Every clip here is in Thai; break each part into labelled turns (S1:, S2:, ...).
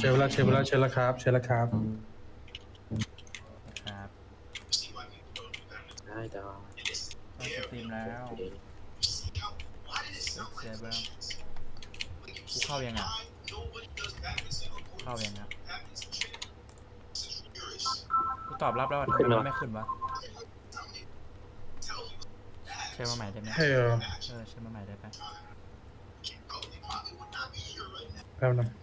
S1: เชิญแล้วเชิญแล้วเชิญแล้วครับเชิญแล้วครับ
S2: ครับ
S3: ได้ดอก
S2: เข้าสตรีมแล้วเซเบอร์กูเข้ายังอ่ะเข้ายังครับกูตอบรับแล้วทำไมมันไม่ขึ้นวะเชิญมาใหม่ได้ไหม
S1: เฮ้ย
S2: เชิญมาใหม่ได้ไหม
S1: แป๊บนึง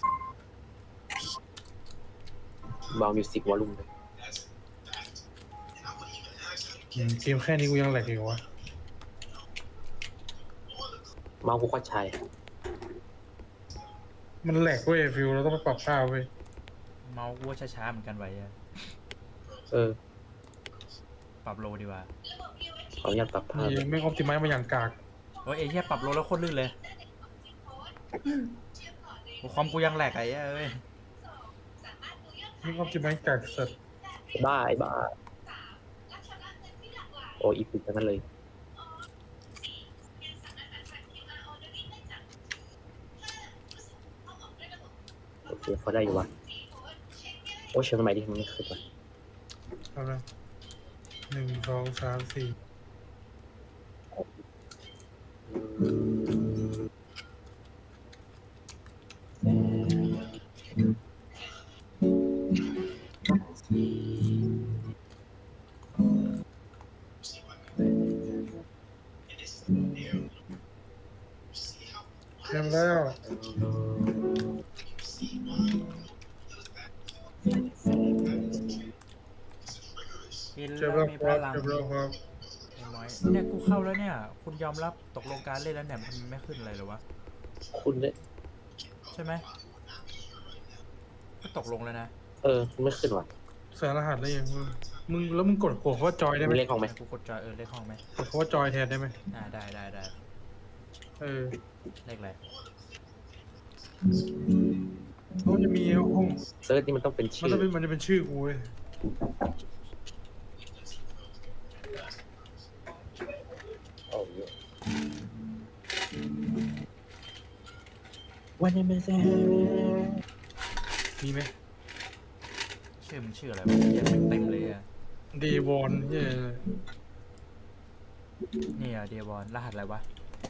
S3: เบามิวสิกวอลลุ่มเลย
S1: เกมแค่นี้กูยังแหลกอยู่วะ
S3: เมาส์กูก็ใช้
S1: มันแหลกเว้ยฟิวเราต้องไปปรับค่าเว้ย
S2: เมาส์กูว่าช้าๆเหมือนกันไว้อะ
S3: เออ
S2: ปรับโลดีกว่า
S3: ขออนุญาตปรับภาพ
S1: นี่ไม่ออปติไมซ์มาอย่างกาก
S2: โอ้ยไอ้เหี้ยปรับโลแล้วโคตรลื่นเลยโอ้ความกูยังแหลกไอ้เหี้ยเอ้ย
S1: ไม่ออปติไมซ์กากสัตว์
S3: บ้าไอ้บ้าโอ้อีพิกทั้งนั้นเลยโอเคพอได้อยู่วะโอ้เชิญมาใหม่ดิมันไม่ขึ้นวะ
S1: แป๊บนึง1 2 3 4เต็มแล้ว
S2: กิน
S1: เจ็บ
S2: แล้
S1: แล้ว ว
S2: มี
S1: ค
S2: พ
S1: รับ
S2: ลัง
S1: เจ็บแล้วครับ
S2: ไอ้น้อยเนี่ยกูเข้าแล้วเนี่ยคุณยอมรับตกลงการเล่นแล้วเนี่ยมันไม่ขึ้นอะไรหรอวะ
S3: คุณเนี่ย
S2: ใช่ไหมก็ตกลงแล้วนะ
S3: เออมันไม่ขึ้นวะ
S1: ใส่รหัสได้ยังมึงแล้วมึงกดคำว่าจอยได้ไหม
S3: มีเลขของไหม
S2: กูกดจอยเลขห้องไหม
S1: กดคำว่าจอยแทนได้ไหม
S2: ได้
S1: เออ
S2: เลขอะไร
S1: เขาจะมีห้อง
S3: เซิร์ชนี่มันต้องเป็น
S1: มัน
S3: ชื่อ
S1: จะเป็นมันจะเป็นชื่อกูเว้ย
S3: โอ้ยวันนี้ไม่ใช่
S1: มีไหม
S2: ชื่อมันชื่ออะไรวะยังไม่เต็มเลยอ่ะ
S1: เดวอนเนี่ย
S2: นี่อ่ะเดียบอลรหัสอะไรวะ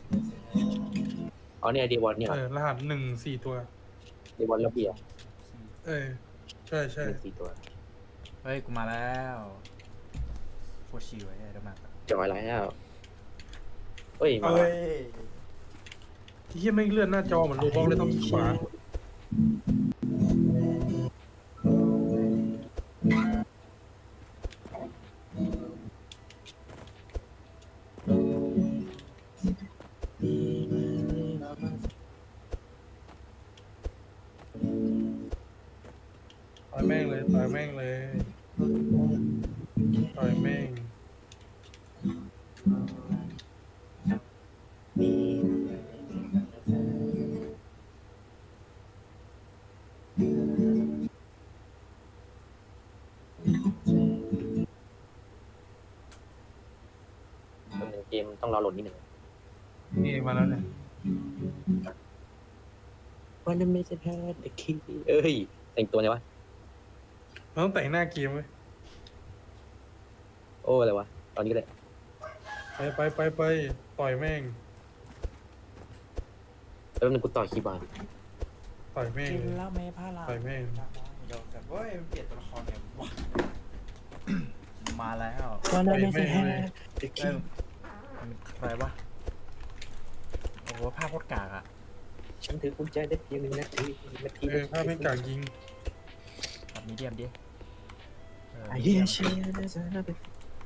S3: อ๋อเนี่ยดีวอนเนี่ย
S1: รหัส1 4 ตัว
S3: ดีวอนระเบียบ
S1: เออใช่ใช่
S3: เป็น4 ตัว
S2: เฮ้ยกูมาแล้วโคตรชิวไอ้เดี๋ยวมา
S3: จอยแล้วเฮ้ยมา
S1: ที่เฮียไม่งเลื่อนหน้าจอเหมือนโรบอทเลยต้องขวาต่อยแม่งเลยต่อยแม่งเลยต่อยแม่ง
S3: เกมต้องรอโหลดนิดหนึ่ง
S1: นี่มาแล้วเนี่ย
S3: วันนี้ไม่ใช่แพ้เด็กขี้เอ้ยแต่งตัวไงวะ
S1: มันต้องแต่งหน้าเกมเว้ย
S3: โอ้อะไรวะตอนนี้ก็ได้
S1: ไปต่อยแม่ง
S3: แล้วนึงกูต่อคีย์บอร์ด
S1: ต่อยแม่ง
S2: กิน
S1: เลย
S2: แล้วไม่พลาด
S1: ต่อยแม่ง
S2: เดี๋ยวแบบเฮ้ยมันเปลี่ยนตัวละครเนี่ยวะ มาแล้ว
S3: วันนี้ไม่ใช่แพ้เด็ก
S2: เอ้
S3: ขี้
S2: ยมันใครวะโอ้โหภาพโคตรกากอ่ะ
S3: ฉันถือกุญแจได้เพียง1 นาที
S1: ภาพไม่กากยิง
S2: แบบมีเดียมดิ
S3: ไอ้
S2: มี
S3: เหี้
S2: เดี
S3: ย
S2: ยม
S3: เชี่ยนะจ๊ะนะเป็น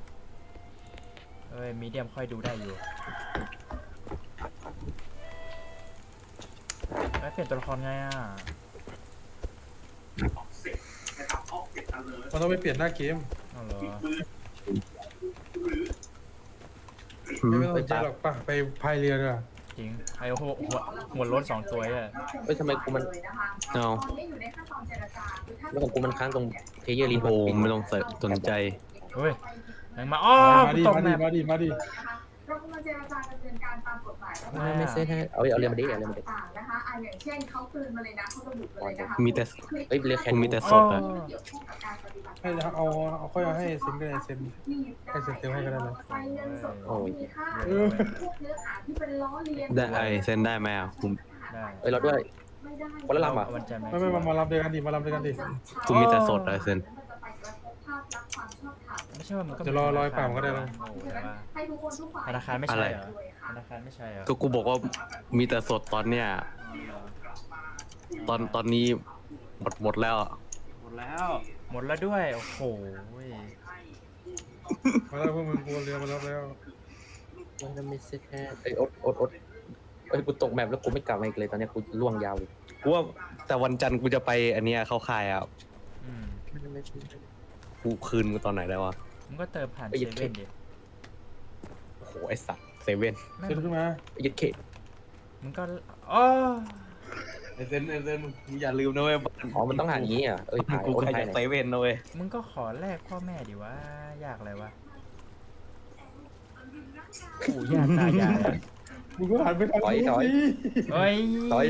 S2: มีเดียมค่อยดูได้อยู่เปลี่ยนตัวละครไงอ่ะ
S1: มันต้องไปเปลี่ยนหน้าเกม
S2: เอาเหรอ
S1: ไม่ต้องสนใจหรอกป่ะไปพายเรือดีกว่า
S2: จริงไอ้หัวรถ2 ตัวอ่ะ
S3: เฮ้ยทำไมกูมัน
S4: เอา
S3: แล้วของกูมันค้างตรงเพลเยอร์รีพอ
S4: โอ้
S3: ร์ต
S4: ไม่ต้องสนใจ
S2: เฮ้ยยังมาอ๋อ
S1: มา
S2: กู
S1: ดิ
S2: ตก
S1: มา
S2: แม
S1: ดิ
S2: ป
S1: มาดิมาดิ
S4: เรากำลังเจรจาดำเนินการตามกฎหมายแล้ว
S3: ไม่เซ็ตให้เอาเรียนมาดิเอาเรียนมาดิ
S4: ต่างๆนะคะอย่างเช่นเขาเตือนมาเลยนะเขาระบุมาเลยนะคะ
S5: มีแต่
S3: เอ้ยเรียกแค่
S5: กูมีแต่สดอะ
S4: เกี่ยวข้องกับการปฏิบัติ
S1: ให้เอาค่อยเอาให้เซ็นก็ได้เซ็น ให้เซ็นเต็มให้ก็ได้เลย
S4: ไปเงินสดของมีค่า
S1: เออ
S4: พวกเนื้อหาที่เป็นล้อเลียน
S5: ได้เซ็นได้ไหมอ่ะกู
S2: ได้
S3: เอ้ยเราด้วย
S4: ไม่ได้
S3: คนละลำอ่ะ
S2: เอาวันจันทร์ไหม
S1: ไม่มารับด้วยกันดิมารับด้วยกันดิ
S5: กูมีแต่สดอะเซ็น
S2: ไม่ใช่ว่ามันก็
S1: จะรอให้ป่ามก็ได้นะ
S2: โอ้โหแต่ว่า
S4: ให้ทุกคนทุกฝ่าย
S2: ธนาคารไม่
S5: อะ
S2: ใช่
S5: ไร
S2: เหรอธนาคารไม่ใช่เหรอ
S5: ก็กูบอกว่ามีแต่สดตอนเนี้ยตอนนี้หมดแล้วอะ
S2: หมดแล้วด้วยโอ้โห
S1: มาแล้วพวกมึงกูเรือมารับแล้ว
S3: มันไม่เซ็ตให้เอ้ยอดเอ้ยกูตกแมปแล้วกูไม่กลับมาอีกเลยตอนเนี้ยกูล่วงยาวเลย
S5: กูว่าแต่วันจันทร์กูจะไปอันเนี้ยเข้าค่ายอ่ะ
S2: อืม
S5: กูคืนกูตอนไหนแล้ววะ
S2: มึงก็เติมผ่าน
S3: ไป
S2: เซ
S3: หยิบ
S2: เว่นดิ
S5: โอ้โหไอสัตว์เซเว่น
S2: ไม่
S1: เซ็นขึ้นมา
S3: ยึดเขต
S2: มึงก็อ๋อ
S5: ไอเซนมึงอย่าลืมนะเว้ย
S3: อ๋อมันต้องหาอย่างนี้อ่ะเอ้ยถ่าย
S5: กู
S3: โอน
S5: ใคร
S3: ถ่าย
S5: จะ
S3: ไหน
S5: เซเว่นนะเว้ย
S2: มึงก็ขอแลกพ่อแม่ดิวะยากอะไรวะปู่ย่าตายายอะ
S1: มึงก็หันไปทางนู้นสิ
S2: เฮ้ย
S3: ถอย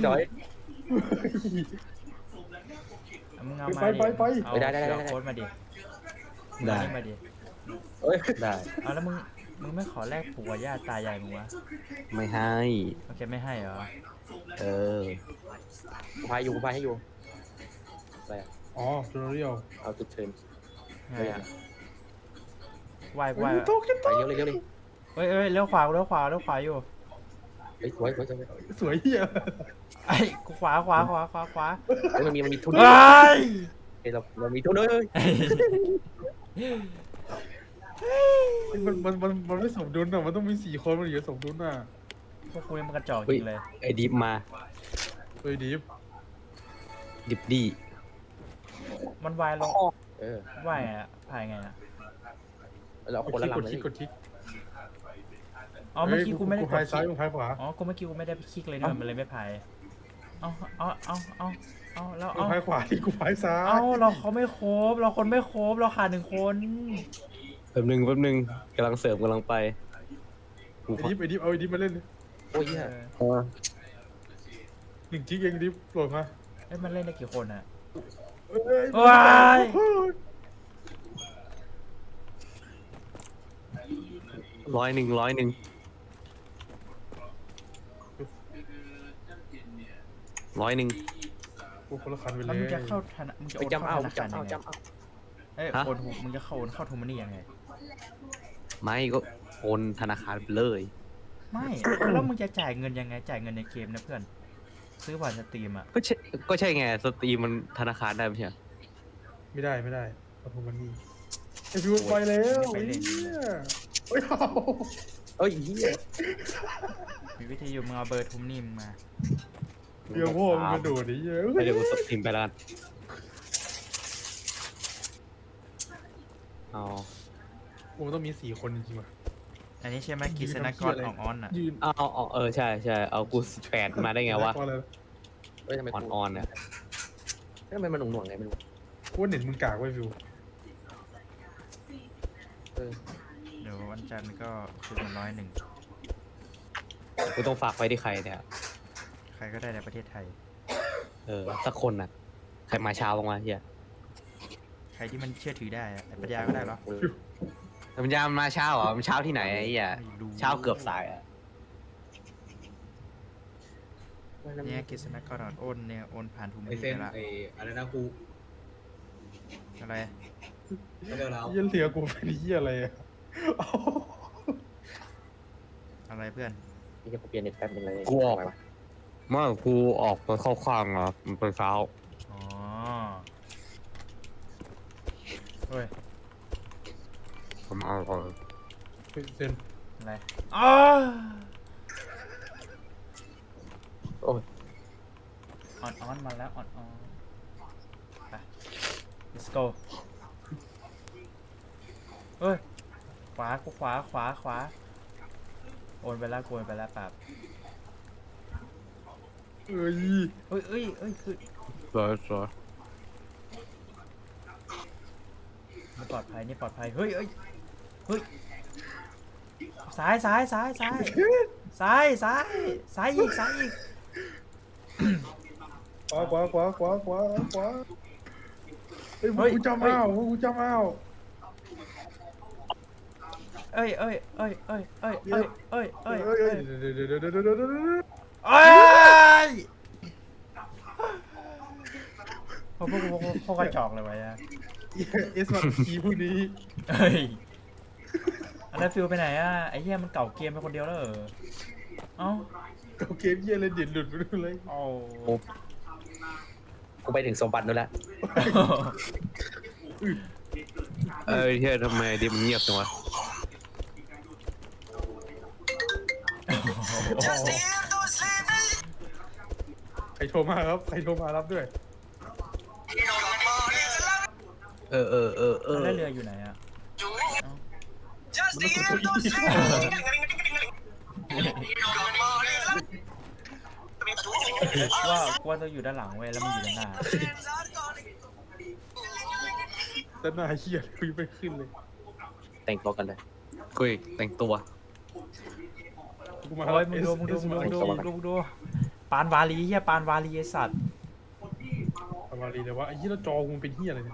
S2: เอามึงเอามาดิเอา
S3: ได้
S2: โค้ดมาดิ
S5: ได้
S2: เอานี่มาดิ
S3: เอ้ย
S5: ได้
S2: เอาแล้วมึงไม่ขอแลกปู่กับย่าตายายมึงวะ
S5: ไม่ให้
S2: โอเคไม่ให้เหรอ
S5: เออ
S3: กูพายให้อยู่อะไรอะ
S1: อ๋อจูเรียล
S3: เอาจุดเทิร์น
S2: ไงอะวายวาย
S1: โตขึ้น
S3: ไปเร็วเลย
S2: เฮ้ยเลี้ยวขวาอยู่
S3: เฮ้ยสวย
S1: สวยเฮีย
S2: ไอ้กูขวา
S3: เฮ้ยมันมีทุน
S2: เฮ้ย
S3: เฮ้ยเรามีทุนเฮ้ย
S1: มันไม่สมดุลอ่ะมันต้องมี4 คนมันถึงจะสมดุลอ่ะ
S2: พวกกูนี่มันกระจอกจริงเลย
S5: ไอดิฟมา
S1: เฮ้ยดิฟ
S5: ดิฟดี
S2: มันวายลง
S3: เออ
S2: วายอะพายไงอะ
S3: เราคนละลำเลย
S1: กดคลิก
S2: อ๋อเมื่อกี้กูไม่ได้ก
S1: พาย
S2: ดค
S1: ซ้าย
S2: ลิก
S1: มึงพายขวา
S2: อ๋อกูเมื่อกี้กูไม่ได้คลิกเลยเนี่ยมันเลยไม่พายเอาแล้ว
S1: มึงพายขวาที่กูพายซ้าย
S2: เอาเราเขาไม่ครบเราคนไม่ครบเราขาด1 คน
S5: แป๊บนึงกำลังเสริมกำลังไปกู
S1: ไอ้ดิฟเอาไอ้ดิฟมาเล่นดิ
S3: โอ้ยเหี้ย
S1: 1 จิ๊กเองดิฟโหลดมา
S2: เอ้ยมันเล่นได้กี่คนอะ
S1: เอ้ย
S2: ว้าย
S5: 100
S1: กูคนละคันไปเล
S2: แล้ว
S1: ย
S2: มึงจะเข้าธนามึงจะ
S3: ไป
S2: โอน
S3: จำ
S2: เข้า
S3: เอา
S2: ธนาคารยังไง
S3: จำเอา
S2: เอ้ยโอนมึงจะเข้าโอนเข้าโทมันนี่ยังไง
S5: ไม่ก็โอนธนาคารไปเลย
S2: ไม่แล้วมึงจะจ่ายเงินยังไงจ่ายเงินในเกมนะเพื่อนซื้อผ่านสตรีมอะ
S5: ก็ใช่ไงสตรีมมันธนาคารได้ไม่ใช่เหรอ
S1: ไม่ได้เอาทุมันนี่ไอ้ฟิวไปแล้วไอ้เหี้ยเฮ้ยเอา
S3: เอ้ยเหี้ย
S2: มีวิธีอยู่มึงเอาเบอร์ทุมนี่มึงมา
S1: เดี๋ยวพ่อมึงกระโดดไอ้เหี้ย
S5: ไม่เดี๋ยวกูสตรีมไปแล้วกันเอา
S1: กูต้องมี4 คนจริงๆว่ะ
S2: อันนี้ใช่ไหมกิษณกรของออนอะ
S1: ยืน
S5: เอาใช่เอากู8มาได้ไงวะ
S3: เฮ้ยทำไม
S5: ออนเนี่ย
S3: ทำไมมันหน่วงไงไม่รู้
S1: กูว่าเน็ตมึงกากไว้ฟิว
S3: เออ
S2: เดี๋ยววันจันทร์ก็คือมัน101
S5: กูต้องฝากไว้ที่ใครเนี่ย
S2: ใครก็ได้ในประเทศไทย
S5: สักคนน่ะ ใครมาเช้าบ้างวะเฮีย
S2: ใครที่มันเชื่อถือได้อะไอ้ปัญญาก็ได้เหรอ
S5: แต่มันยามมาเช้าเหรอมันเช้าที่ไหนไอ้เหี้ย
S2: ไม่รู้
S5: เช้าเกือบสายอ่ะ
S2: เนี่ยกิษณกรโอนเนี่ยโอนผ่านทุมนี่ไปละ
S5: อะไรนะกู
S2: อะไร
S1: เหี้ยเหลือกูเป็นเหี้ยอะไรอ่ะเอา
S2: อะไรเพื่อน
S3: นี่จะเปลี่ยนเน็ตแป๊บนึงเลย
S5: กูออกเมื่อกูออกไปเข้าข้างอ่ะมันเป็นเช้า
S2: อ๋อเฮ้ย
S5: ผมเอาก่อน
S1: เซ็น
S2: อะไรอ๋อ
S3: โอ้ย
S2: ออนมาแล้วออนไป let's go เฮ้ยขวาโอนไปแล้วปรับ
S1: เอ้ย
S2: เอ้ยคือ
S5: สวย
S2: นี่ปลอดภัยเฮ้ยซ้ายซ้ายซ้ายซ้ายซ้ายซ้ายซ้ายอีกซ้ายอีก
S1: ขวาเฮ้ยกูจำเอากูจำเอา
S2: เอ้ยเอ้ยเอ้ยเอ้ยเอ้ยเอ้ยเอ้ยเอ้ย
S1: เฮ้ย
S2: เอ้ย
S1: เดี๋ยว
S2: เอ้ยพวกพวกกระจอกเลยวะเนี่ย
S1: เอสมาคีผู้นี้
S2: เฮ้ยอันนั้นฟิลไปไหนอ่ะไอ้เหี้ยมันเก่าเกมไปคนเดียวแล้วเหรอเอ้า
S1: เขาเกมเยี่ยเลยเด็ดหลุดไปเลย
S2: เอา
S3: กูไปถึงสมบัตินู่นแล้ว
S5: เฮียทำไมดิมันเงียบจังวะ
S1: ใครโทรมาครับใครโทรมารับด้วย
S2: แล้วเรืออยู่ไหนอ่ะว่าจะอยู่ด้านหลังเว้ยแล้วมันอยู่ด้านหน้า
S1: แต่หน้าเหี้ยคุยไม่ขึ้นเลย
S3: แต่งตัวกันเลย
S5: กุยแต่งตัว
S1: กูมา
S2: โอ้ยมึงดูปานวาลีเหี้ยปานวาลีไอสัตว์
S1: ทำมาดีเลยว่าไอ้ยี่แล้วจอกูเป็นเหี้ยอะไรเนี่ย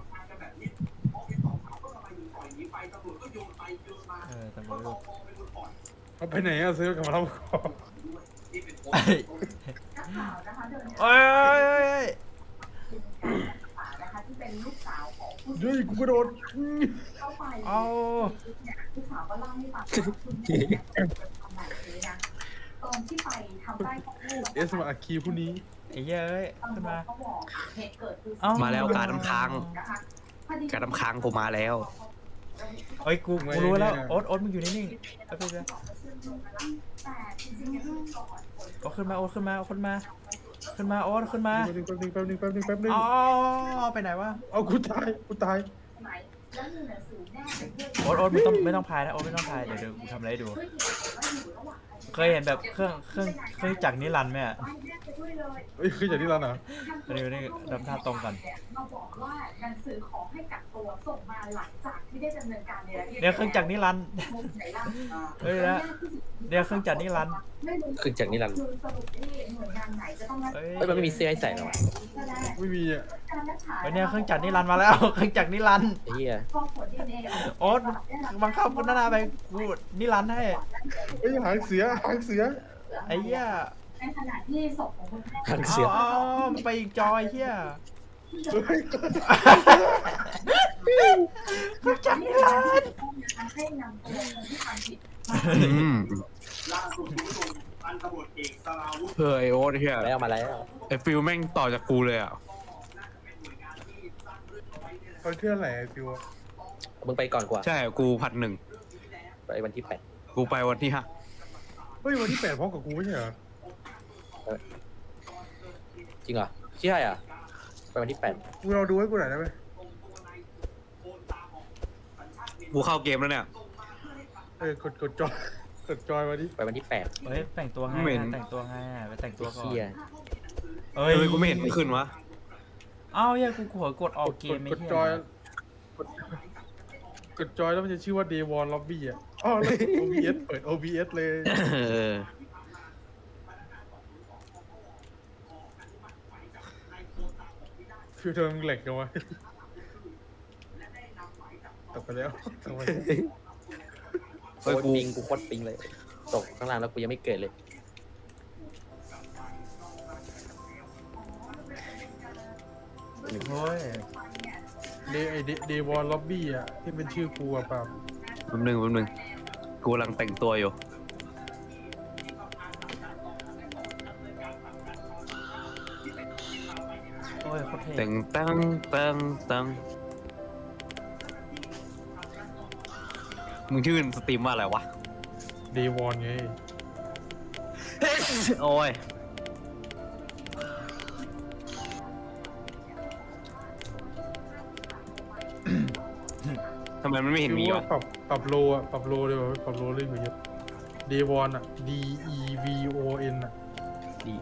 S2: แต่ไม่รู้
S1: เอาไปไหนอะซื้อกลับมารับก่อน
S2: เอ้ย
S4: ข่าวนะคะเดิน
S2: เอ้ย
S4: ป่านะคะที่เป็นลูกสาวของผู้
S1: เฮ้ยกูกระโดด
S4: เข้าไป
S2: เอา
S4: เนี่ยลูกสาวก็เล่าให้ฟังว่าคุณแม่เป็นคนทำแบบนี้นะตอนที่ไปทำไร่ของลูก
S1: เอสมาคีผู้นี้
S2: ไอ้เหี้ยเอ้ย
S4: ตำร
S2: ขึ้น
S4: วจ
S2: มา
S4: เขาบอกเหตุเกิดคือ
S2: เอ้า
S5: มาแล้วการน้ำค้าง
S4: นะคะพอดี
S5: การน้ำค้างกูมาแล้ว
S2: เฮ้ยกูรู้แล้วโอ๊ตมึงอยู่นิ่งๆเอาไปเลย
S4: แต่จริงๆเนี่ยก่อน
S2: โอ๊ตขึ้นมาโอ๊ตขึ้นมาโอ๊ตขึ้นมาขึ้นมาโอ๊ตขึ้นมา
S1: แป๊บนึง
S2: อ๋อไปไหนวะ
S1: เอากูตาย
S4: ไหนแล้วมีหนังสือแนบไปด้วย
S2: โอ๊ตไม่ต้องพายนะโอ๊ตไม่ต้องพายเดี๋ยวกูทำอะไรให้ดู
S4: ด้วยเหตุว่าอยู่ระหว่าง
S2: เคยเห็นแบบเครื่องจักรนิรันดร์ไหมอ่ะ
S4: ให้แนบไปด้วยเลย
S1: เฮ้ยคืออย่างที่ร้านอ่ะ
S2: นี่ทำท่าตรงกัน
S4: มาบอกว่าหนังสือขอให้กักตัวส่งมาหลังจากที่ได้ดำเนินการในระดับ
S2: เนี่ยเครื่องจักรนิรันดร์
S4: ไหนล่ะ
S2: เฮ้ยนะเนี่ยเครื่องจักรนิรันดร์
S3: คือจากนี้ลัน
S4: คือสรุปที่หน่วยงานไหนจะต้องรับ
S2: เฮ้ย
S3: เฮ้ยมันไม่มีเสื้อให้ใส่หรอวะ
S1: ไม่มีอ่ะ
S4: การรักษา
S2: เฮ้ยเนี่ยเครื่องจักรนิรันดร์มาแล้วเครื่องจักรนิรันดร์
S3: ไอ้เหี้ย
S4: พอผล DNA
S2: โอ๊ตบังคับคนหน้าไปกูนิรันดร์ให้
S1: เฮ้ยหางเสือ
S2: ไอ้เหี้ย
S4: ในขณะที่ศพของคุณแม่
S3: ทางเสือ
S2: อ๋อไปอีกจอยเหี้ย
S1: เฮ้ย
S2: เครื่องจักรนิรันดร์
S4: ให้นำตัวคนที่ทำผิด
S5: อืมเฮ้ยโอ๊ตเฮีย
S3: มาแล้ว
S5: ไอ้ฟิลแม่งต่อจากกูเลยอ่ะ
S1: เขาเชื่ออะไรไอ้ฟิว
S3: มึงไปก่อนกว่า
S5: ใช่กู1,001
S3: ไปวันที่
S5: กูไปวันที่5
S1: เฮ้ยวันที่8พร้อมกับกูไม่ใช่เหรอ
S3: 8จริงเหรอใช่อ่ะไปวันที่
S1: กูเราดูให้กูหน่อยได้ไหม
S5: กูเข้าเกมแล้วเนี่ย
S1: กดจอยมาดิ
S3: 8ไปวันที่ 8
S2: เฮ้ยแต่งตัวไง
S5: ไม่เห็น
S2: แต่งตัวไงไปแต่งตัวก่อน
S3: เหี้ย
S2: เอ้
S5: เฮ้ยกูไม่เห็นมันขึ้นวะ
S2: เอ้าเหี้ยกูหัวกดออกเกมไม่
S1: กด
S2: เหี้
S1: จอย
S2: ย
S1: กดจอยแล้วมันจะชื่อว่า Day One Lobby อ่ะอ๋อแล้ว OBS เปิด OBS เลย
S5: เออ
S1: ฟิวเธอมึงแหลกกันวะตกไปแล้วตกไปแล้ว
S3: โคตรปิงกูโคตรปิงเลยตกข้างล่างแล้วกูยังไม่เกิดเลย
S2: โอ้ย
S1: Day One Lobby อ่ะที่เป็นชื่อกูอ่ะป่ะ
S5: แป๊บนึงกูกำลังแต่งตัวอยู่
S2: โอ้ยโคตรเท่
S5: แต่งตั้งมึงชื่อสตรีมว่าอะไรวะ
S1: Day One ไง
S5: โอ้ยทำไมมันไม่เห็นมี
S1: คือว่าว
S5: ะ
S1: ปรับโลอ่ะปรับโลเลยว่ะปรับโลเลยเหมือนเยอะ Day One อ่ะ DEVON อ่ะ
S5: ดี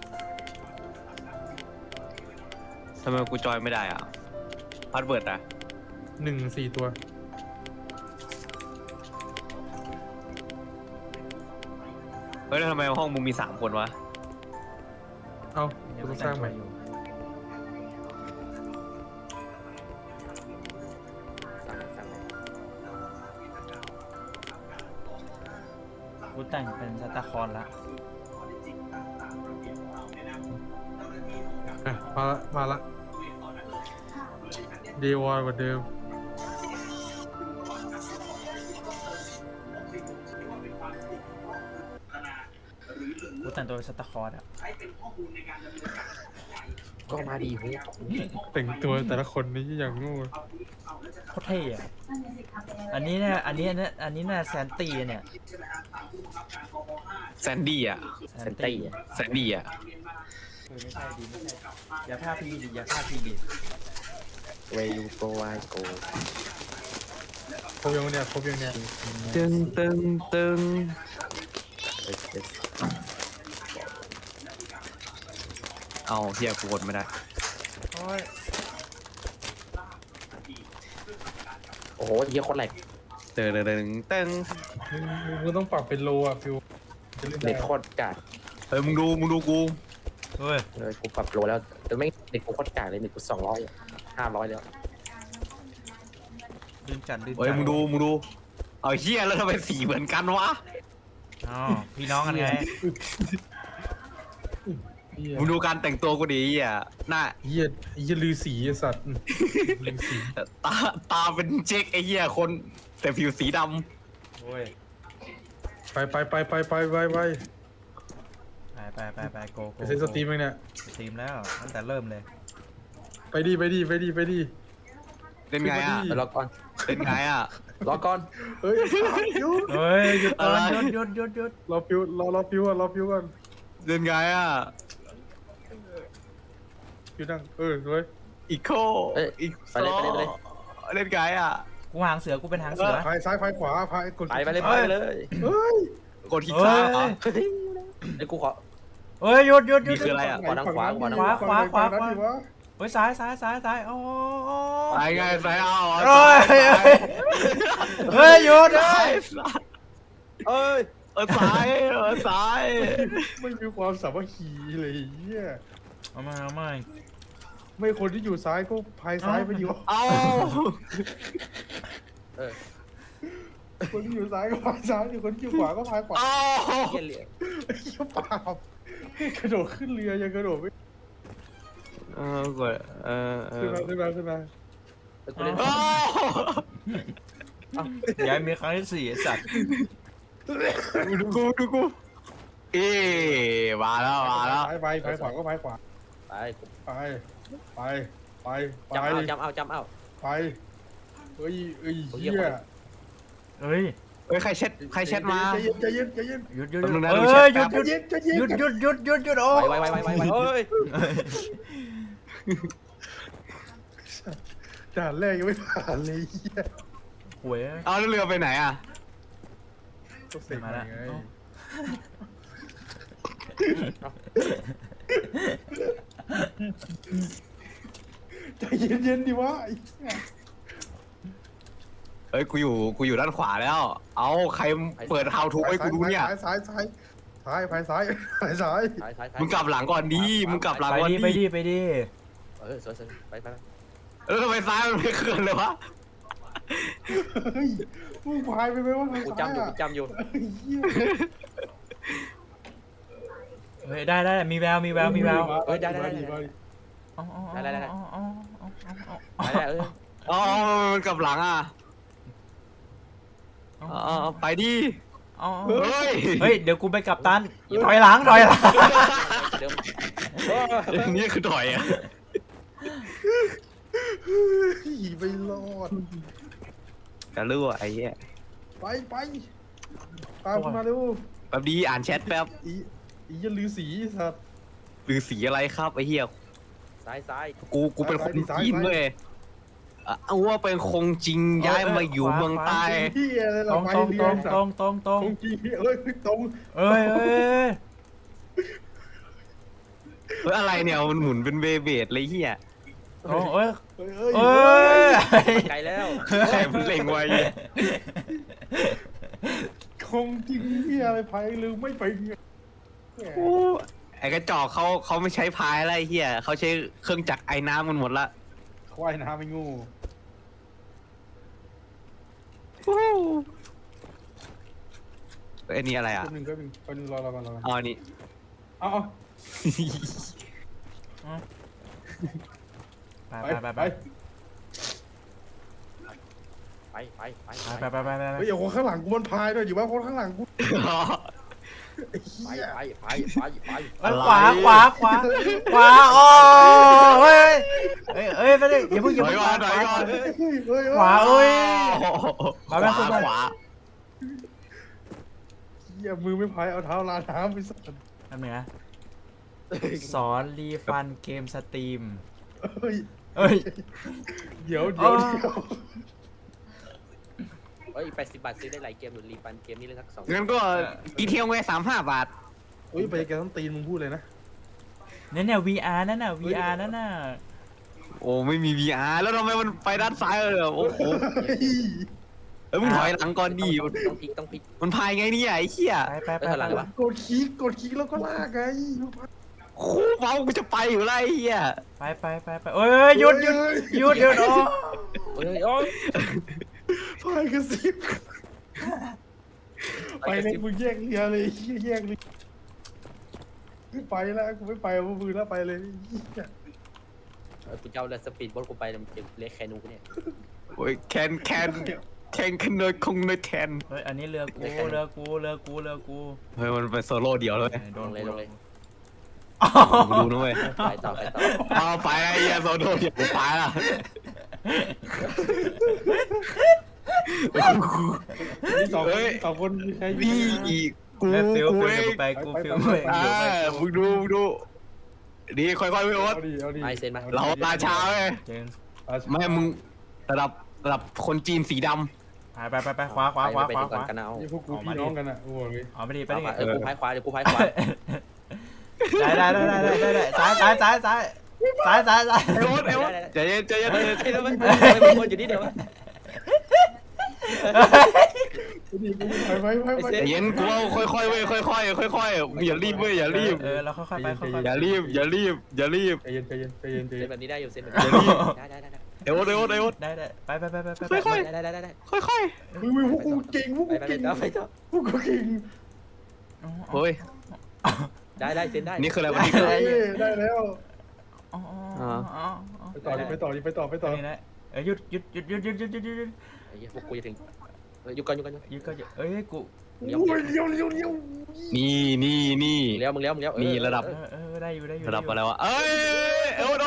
S5: ทำไมกูจอยไม่ได้อ่ะพาสเวิร์ดอ่ะ
S1: 1 4 ตัว
S5: เฮ้ยแล้วทำไมห้องมึงมี3 คนวะ
S1: เอ้า
S2: เดี๋ยว
S1: กู
S2: กู
S1: ต้องสร้างใหม่
S2: อยู่
S3: สั่ง
S2: กูแต่งเป็นซานตาคลอนละ
S1: อ่ะมาละเดวอนกว่าเดิม
S2: กูแต่งตัวเป็นซานตาคลอนอ่ะ
S3: ก็มาดีเฮ้ย
S1: แต่งตัวแต่ละคนนี่อย่างงู
S2: โคตรเท่อะอันนี้เนี่ยอันนี้เนี่ยแซนตี้เนี่ย
S5: แซนดี้อ่ะ
S3: เซนตี้
S5: แซนดี้อ่ะ
S2: ไม่ใช่ดีไม่ใช่อย่าพลาดพี่ดิอย่าพลาดพี่ดิ
S3: เวยูโกไวโก
S1: ครบยังเนี่ยครบยังเนี่ย
S5: ตึงตึงตึงเอาเฮียกูกดไม่ได้
S2: โอ้ย
S3: โอ้โหเยอะคนแหลก
S5: ตึงตึงตึงตึง
S1: มึงต้องปรับเป็นโลอ่ะฟิวจะเล่น
S3: เน็
S1: ได้
S3: ตโคตรกาก
S5: เฮ้ยมึงดูกู
S2: เฮ้ย
S3: เลยกูปรับโลแล้วแต่ไม่เน็ตกูโคตรกากเลยเน็ตกู200 500แล้ว
S2: ลืมจัดลืม
S5: เฮ้ย
S2: จัด
S5: มึงดูเอาเฮียแล้วทำไมสีเหมือนกันวะ
S2: อ๋อพี่น้องกันไง
S1: เหี้ย
S5: มึงดูการแต่งตัวกูดิเฮียหน้า
S1: เหี้ยลือสีไอ้สัตว์ลือสี
S5: ตาเป็นเจ๊กไอ้เฮียคนแต่ผิวสีด
S2: โอ้ย
S1: ไปโก
S2: ไป
S1: ไปเซ็นสตรีมเองเนี่ย
S2: สตรีมแล้วตั้งแต่เริ่มเลย
S1: ไปดิ
S5: ำเล่นไงอ่ะ
S3: รอก่อน
S5: เล่นไงอ่ะ
S3: รอก่อน
S1: เฮ้ยฟิว
S2: เฮ้ยหยุดก่อน
S5: อะไร
S2: หยุด
S1: รอฟิวก่อน
S5: เล่นไงอ่ะ
S1: ฟิวนั่งสวย
S5: อีโค อีก
S3: ไปเลย
S5: เล่นไงอ่ะ
S2: กูหางเสือกูเป็นหางเสือ
S1: พายซ้ายพายขวาพายกด
S3: ไปเลย
S2: เฮ้ย
S1: เฮ้ย
S5: กดคลิกซ้ายเหรอ
S3: ไอ้กูขอ
S2: เฮ้ยหยุด
S5: นี่คืออะไรอะ
S3: ขวาทางขวา
S2: เฮ้ยซ้ายโอ้
S5: ซ้ายไงซ้ายเอา
S2: เฮ้ยเฮ้ยหยุด
S5: ซ้า
S2: เฮ้
S5: ย
S2: ย
S5: ซ้ายซ้าย
S1: ไม่มีความสามัคคีเลยเหี้ย
S2: เอามา
S1: ไม่คนที่อยู่ซ้ายก็พายซ้ายไปดีวะ
S5: เอา
S1: คนที่อยู่ซ้ายก็พายซ้ายอยู่คนที่อยู่ขวาก็พายขวา
S5: เอา
S3: เหี้ยเหลี่ยม
S1: ไอ้เหี้ยปาบกระโดดขึ้นเรือยังกระโดดไม่
S5: กด
S1: ขึ้นมา
S3: กูเล่น
S2: อย่ามีครั้งที่4ไอ้สัตว์
S5: ดูกูมาแล้ว
S1: พายขวาก็พายขวา
S3: ไป
S1: ไป
S3: จำเอา
S1: ไปเฮ้ยเหี้ย
S2: เฮ้ย
S5: เฮ้ยใครเช็ดมา
S1: ใจเย็น
S2: หยุด
S5: แป๊บนึงนะ
S2: เฮ้
S5: ดูแช
S2: ย
S5: ท
S2: หยุด
S5: แป๊บ
S2: หยุดโอ้
S3: ไวเฮ้ย
S1: ด่านแรกยังไม่ผ่านเลยเหี้ย
S2: หวย
S5: เอาแล้วเรือไปไหนอ่ะ
S1: ก็เสร็จ
S2: มา
S1: มา
S2: แล้ว
S1: ไงใจเย็นดิวะ
S5: เฮ้ยกูอยู่ด้านขวาแล้ว เอาใครเปิด how to ให้กูดูเนี่ย
S1: ซ้ายพายซ้าย
S5: มึงกลับหลังก่อนดิมึงกลับหลัง
S2: ไป
S5: ก่อน
S2: ดิ
S5: ดิ
S2: ไปดิ
S3: สวยไป
S5: แล้วทำไมซ้ายมันไม่เคลื่อนเลยวะ
S1: เฮ้ยมึงพายไปไหมวะ
S3: กูจำอยู่
S2: เฮ้ยได้มีแวว
S3: เฮ้ยได้
S2: เอา
S3: ไปแล้ว
S5: อ๋อมันกลับหลังอ่ะไปดิ เฮ้ย
S2: เดี๋ยวกูไปกับตันถอยหลัง
S3: เดิม
S5: นี่คือถอยอ่ะ
S1: ไปรอด
S5: จะรู้ไอ้เหี้ย
S1: ไปตามมาเร็ว
S5: แป๊บดีอ่านแชทแป๊บ
S1: อีจะลือสีสัตว์
S5: หรือสีอะไรครับไอ้เหี้ย
S3: ซ้าย
S5: กูเป็นคนจีนเว้ยเอาว่าเป็นคงจริงย้ายมาอยู่เมืองใต้
S1: ที่อะไร
S2: ตร
S1: เรา
S2: ง
S1: ไป
S2: ตรง
S1: เรี
S2: ต
S1: ย
S2: ร
S1: น
S2: ง
S1: สัต
S2: ตรง
S1: ว์
S2: ตรงตรง
S1: ตรงจริงตรง
S2: เอ้ย
S5: อะไรเนี่ยมันหมุนเป็นเบเบดเลยเหี้ย
S2: ตรงเอ้ย
S3: ไกลแล้ว
S5: ใครมันเล็งไว้เหี้ย
S1: โคคงจริงที่อะไรพายหรือไม่ไปแหม
S5: โอ้ไอ้กระจอกเขาไม่ใช้พายอะไรเฮียเขาใช้เครื่องจักรไอ้น้ำมันหมดละ
S1: ควายน้ำไม่งู
S5: ไอ้นี่อะไรอ่ะ
S1: แป๊บนึงแป๊บนึงแป๊บนึงรอก่อนรอก่อน
S5: อ๋อนี่
S1: เอา
S2: ไป
S1: ไป
S2: ไป
S1: ไป
S2: ไป
S3: ไป
S2: ไปไปไป
S1: เฮ้ยเดี๋ยวคนข้างหลังกูมันพายด้วยอยู่ว่าคนข้างหลังกูไอ้เหี้ย
S3: ไป
S2: ขวาขวาขวาขวาโอ้เฮ้ยเฮ้ยไปดิอย่าเพิ่ง
S5: ถอยก่อนถอยก่อน
S1: เฮ้ยเฮ้ย
S2: ขวาเอ้ย
S5: ขวาขวา
S1: เหี้ยมือไม่พายเอาเท้าลาน้ำไปสัตว์
S2: นั่นเหนือสอนรีฟันเกมสตรีม
S1: เฮ้ย
S2: เอ้ย
S1: เดี๋ยว
S3: เฮ้ย80 บาทซื้อได้หลายเกมหรือรีฟันเกมนี้เลยสัก2
S5: งั้นก็อีเทียงไว้35 บาท
S1: เฮ้ยไปแกต้องตีนมึงพูดเลยนะ
S2: เนี่ย VR นั่นน่ะ VR นั่นน่ะ
S5: โอ้ไม่มี VR แล้วทำไมมันไปด้านซ้ายเลยโอ้โหเอ้ยมึงถอยหลังก่อนดิ
S3: ต้องพลิก
S5: มันพายไงเนี่ยไอ้เหี้ย
S2: ไปไปไป
S3: หลังวะ
S1: กดคลิกแล้วก็ลากไง
S5: โคเมากูจะไปอยู่แล้วไอ้เหี้ย
S2: ไปไปไปไปเอ้ยหยุดหยุดหยุดหยุดโอ้
S3: โอ้ย
S1: พายกระซิบไปเลยมึงแยกเรือเลยแยกเลยไม่ไปแล้วกูไม่ไปเอามือแล้วไปเลย
S3: กูเจ้าเรือสปีดโบ๊ทกูไปมันจะเล็กแคนูกูเนี่ย
S5: โอ้ยแคนคันเนอร์คงเนอร์แคน
S2: เฮ้ยอันนี้เรือกูเรือกูเรือกูเรือกู
S5: เฮ้ยมันเป็นโซโล่เดียวเลย
S2: โด
S3: ล
S2: น
S3: งเลยลงเลย
S5: ดูนะเว้ย
S3: ไปต่อ
S5: เอาไปไอ้เหี้ยโซโล่เดียวกูไปละ
S1: นี่สองคนมีใคร
S5: นี่อีกกู
S2: แม่ฟิล
S5: กู
S2: ฟิล
S5: เอ
S2: เดี๋ยว
S5: ง
S2: กูไปกูฟิล
S1: ไป
S2: ไป
S5: มึงดูดีค่อยๆไปโอ๊ต
S1: เอาดิ
S3: ไอเซนมา
S5: เราราชาเว้ย
S2: เจน
S5: ไม่มึงระดับคนจีนสีด
S2: ไปไปไปขวาขวาขวา
S3: ไป
S2: ขวา
S3: ก่อนกันเอา
S1: นี่พวกกูพี่น้องกันอ่ะโอ้โหเลย
S2: อ๋อไม่ดีไปดิ
S3: กูพายขวาเดี๋ยวกูพายขวา
S2: ได้ซ้ายซ้ายซ้ายซ้ายซ้ายซ้ายซ้าย
S5: ำไอ้โอ๊ตใจเย็น
S3: แล้วมันวนอยู่นี่เดียว
S1: ไป
S5: ใจเย็นกูเอาค่อยๆเว้ยค่อยๆอย่ารีบเว้ยอย่ารีบ
S2: เราค่อยๆไปค่อยๆ
S5: อย่ารีบ
S1: ใจเย็น
S3: เซนแบบนี้ได้อยู่เซนแบบ
S5: อย่า
S3: นี้
S5: รีบ
S3: ได้
S5: ไอ้โอ๊ต
S2: ได้ไปไปไปไปไป
S5: ค่อย
S3: ได้
S5: ค่อย
S1: มึงพวกกูเก่งพวก
S3: ไป
S1: กูเก่ง
S3: ไปต่อ
S1: พวกกูเก่ง
S5: เฮ้ย
S3: ได้เซนได้
S5: นี่คืออะไรวันนี้คือ
S1: ได้แล้ว
S2: ไป
S1: ไปต่อนี่นะ
S2: หยุดหยุดหยุดหยุดหยุดหยุดหยุดหยุด
S3: ไอ้เหี้ยพวกกูจะถึงอยู่กัน
S2: หยุดก็หยุดเอ้ยกู
S1: โอ้ยเลี้ยว
S5: นี่
S3: มึงเลี้ยว
S5: นี่ระดับ
S2: ได้อยู่ได้อยู่
S5: ระดับอะไรวะเอ้ยโอ๊ต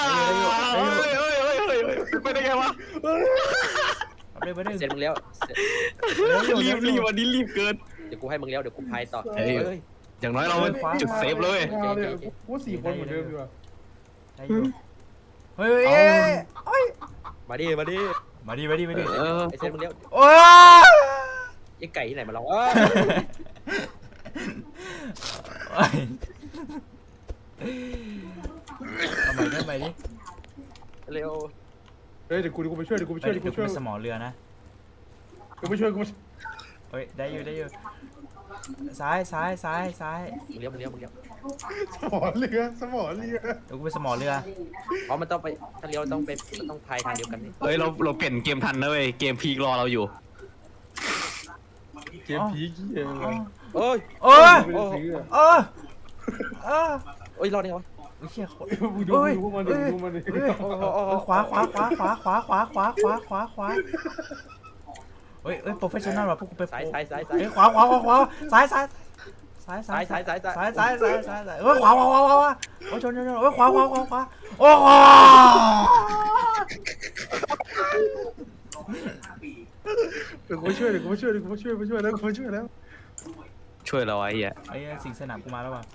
S5: ไปได้ไงวะ
S2: ไปเลย
S3: เซนมึงเลี้ยว
S5: รีบวันนี้รีบเกิน
S3: เดี๋ยวกูให้มึงเลี้ยวเดี๋ยวกูพายต่อ
S5: อย่างน้อยเราจุดเซฟเลย
S1: กู4 คนเหมือนเดิมดีกว่า
S2: ได้อยู่เฮ้ย
S3: มาดิ
S2: มาดิมาดิมาดิ
S3: ไอเซนมึงเลี้ยว
S2: โอ้ย
S3: ไอ้ไก่ที่ไหนมาลอง
S2: เอาใหม่ดิ
S3: เร็ว
S1: เฮ้ยเดี๋ยวกูไปช่วย
S2: สมอเรือนะ
S1: กูไปช่วย
S2: เฮ้ยได้อยู่ซ้ายซ้ายซ้ายซ้าย
S3: มึงเลี้ยว
S1: สมอเรือ
S2: เดี๋ยวกูไปสมอเรือ
S3: เพราะมันต้องไปถ้าเลี้ยวต้องพายทางเดียวกันนี่
S5: เฮ้ยเราเปลี่ยนเกมทันนะเว้ยเกมพีกรอเราอยู่
S1: เกมผีเกี้ย
S3: โอ้ย
S2: โอ้ย
S1: ไม่ได้ซื้อ
S2: โอ้ยโอ้ย
S3: รอดได้ไงวะ
S2: เชี่ย
S1: มึงดูมันดิ
S2: ขวาเฮ้ยโปรเฟชชั่นอลว่ะพวกกูไป
S3: ซ้าย
S2: เฮ้ยขวาซ้ายซ้ายเฮ้ยขวาโอ้ชนเฮ้ยขวาโอ้โห
S1: เดี๋ยวกูช่วยแล้ว
S5: ช่วยเราไอ้เหี้ย
S2: ไอ้สิงสนามกูมาแล้วว่ะ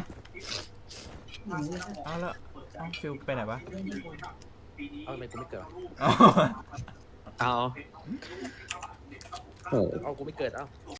S2: เอาแล้วฟิลไปไหนวะ
S3: เอาทำไมกูไม่เกิด
S5: เอาโอ้
S3: เอากูไม่เกิด